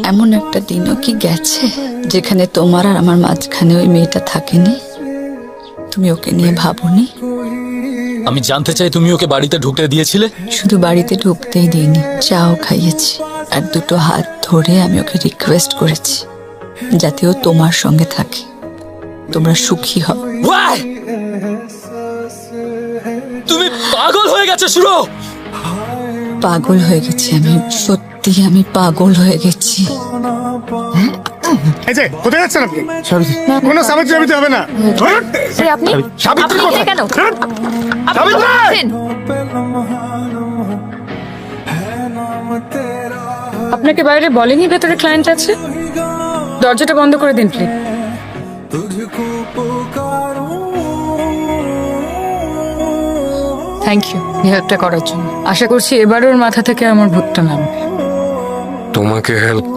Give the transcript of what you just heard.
এমন একটা দিনও কি গেছে যেখানে তোমার আর আমার মাঝখানে ওই মেয়েটা থাকেনি? তুমি ওকে নিয়ে ভাবোনি? আমি জানতে চাই তুমি ওকে বাড়িতে ঢুকতে দিয়েছিলে? শুধু বাড়িতে ঢুকতেই দিইনি, চাও খাইয়েছি। আর দুটো হাত ধরে আমি ওকে রিকোয়েস্ট করেছি যাতে ও তোমার সঙ্গে থাকে, তোমরা সুখী হও। Why? তুমি পাগল হয়ে গেছো সুরো। পাগল হয়ে গেছি আমি, সত্যি আমি পাগল হয়ে গেছি। এই যে কোথায় যাচ্ছেন আপনি? কোনো সাবিত্রী সাবিত্রী হবে না। আপনি সাবিত্রী আপনি কোথায়? কেন সাবিত্রী! আপনাকে বাইরে বলেনি ভেতরে ক্লায়েন্ট আছে? দরজাটা বন্ধ করে দিন প্লিজ। থ্যাংক ইউ হেল্পটা করার জন্য। আশা করছি এবারের মাথা থেকে আমার ভূতটা নামবে। তোমাকে হেল্প